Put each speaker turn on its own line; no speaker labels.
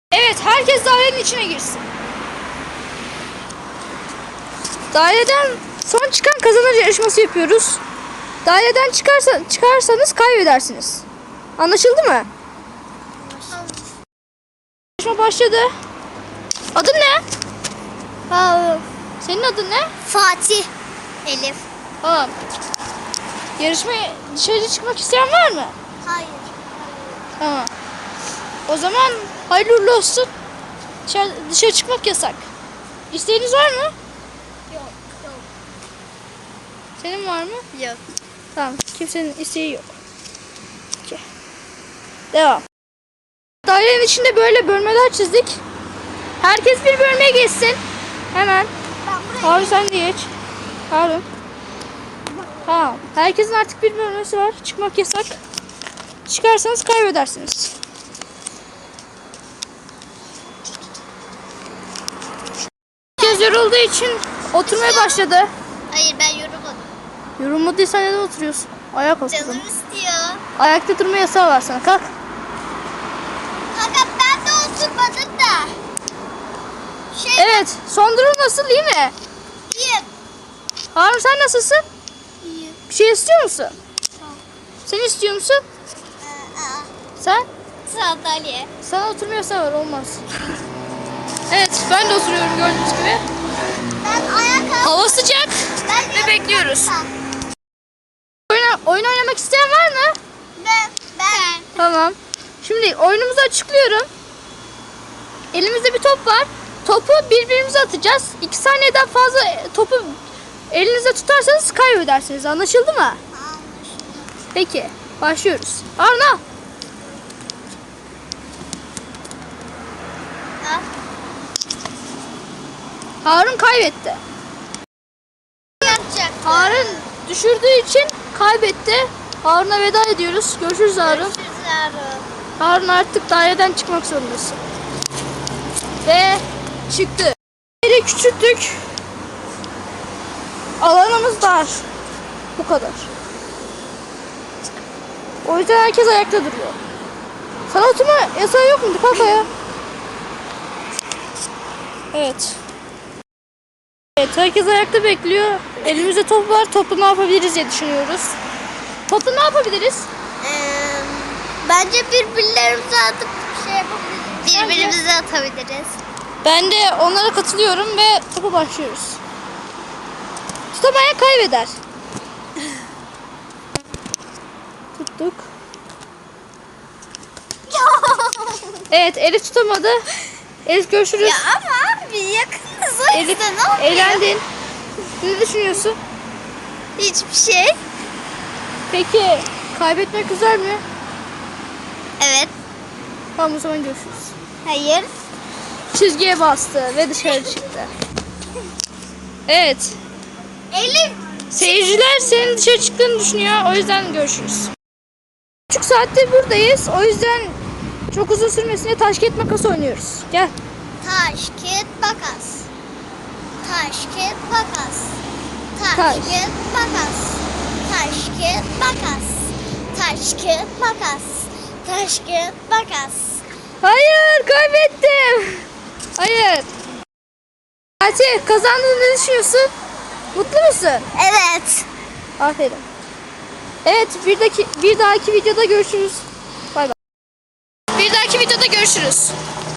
Evet, herkes dairenin içine girsin. Daireden son çıkan kazanır yarışması yapıyoruz. Daireden çıkarsanız kaybedersiniz. Anlaşıldı mı? Yarışma başladı. Adın ne? Senin adın ne?
Fatih. Elif.
Tamam. Yarışmaya dışarı çıkmak isteyen var mı?
Hayır.
Tamam. O zaman hayırlı uğurlu olsun. Dışarı çıkmak yasak. İsteğiniz var mı?
Yok.
Senin var mı?
Yok.
Tamam. Kimsenin isteği yok. Peki. Devam. Dairenin içinde böyle bölmeler çizdik. Herkes bir bölmeye geçsin. Hemen. Harun sen de geç. Harun. Tamam. Herkesin artık bir bölmesi var. Çıkmak yasak. Çıkarsanız kaybedersiniz. Herkes yorulduğu için oturmaya başladı.
Hayır, ben yorulmadım.
Yorulmadıysan neden oturuyorsun? Ayak otur.
Canım istiyor.
Ayakta durma yasağı var sana. Kalk.
Kanka ben de oturmadım da.
Evet. Son durum nasıl, iyi mi?
İyiyim.
Harun sen nasılsın?
İyiyim.
Bir şey istiyor musun? Sen istiyor musun? Sen?
Sandalye.
Sana oturma yasağı var, olmaz. Evet, ben de oturuyorum gördüğünüz gibi.
Ben ayakkabı.
Hava sıcak ve bekliyoruz. Oyun oynamak isteyen var mı?
Ben.
Tamam. Şimdi oyunumuzu açıklıyorum. Elimizde bir top var. Topu birbirimize atacağız. 2 saniyeden fazla topu elinizde tutarsanız kaybedersiniz. Anlaşıldı mı? Peki, başlıyoruz. Harun al.
Al.
Harun kaybetti.
Yapacak.
Harun düşürdüğü için kaybetti. Harun'a veda ediyoruz. Görüşürüz Harun.
Görüşürüz Harun.
Harun artık daireden çıkmak zorundasın. Ve çıktı. Yeri küçülttük. Alanımız dar. Bu kadar. O yüzden herkes ayakta duruyor. Sana oturma yasağı yok mu? Kalk ayağa. Evet. Evet, herkes ayakta bekliyor. Elimizde top var. Topla ne yapabiliriz diye düşünüyoruz. Topla ne yapabiliriz?
Bence birbirlerimize atıp şey yapabiliriz. Birbirimize atabiliriz.
Ben de onlara katılıyorum ve topa başlıyoruz. Tutamayan kaybeder. Tuttuk. Evet, Elif tutamadı. Elif görüşürüz.
Ya ama abi yakınız o
Elif
yüzden ne oluyor?
eğlendin. Ne düşünüyorsun?
Hiçbir şey.
Peki kaybetmek güzel mi?
Evet.
Tamam, o zaman görüşürüz.
Hayır.
Çizgiye bastı ve dışarı çıktı. Evet.
Elif.
Seyirciler senin dışarı çıktığını düşünüyor. O yüzden görüşürüz. 3,5 saattir buradayız. O yüzden çok uzun sürmesine taş kağıt makas oynuyoruz. Gel.
Taş, kağıt, makas. Taş, kağıt, makas. Taş,
Taş.
kağıt, makas. Taş, kağıt, makas. Taş, kağıt, makas. Taş, kağıt, makas.
Hayır, kaybettim. Hayır. Fatih, kazandığını ne düşünüyorsun? Mutlu musun?
Evet.
Aferin. Evet, bir dahaki videoda görüşürüz. Bay bay. Bir dahaki videoda görüşürüz.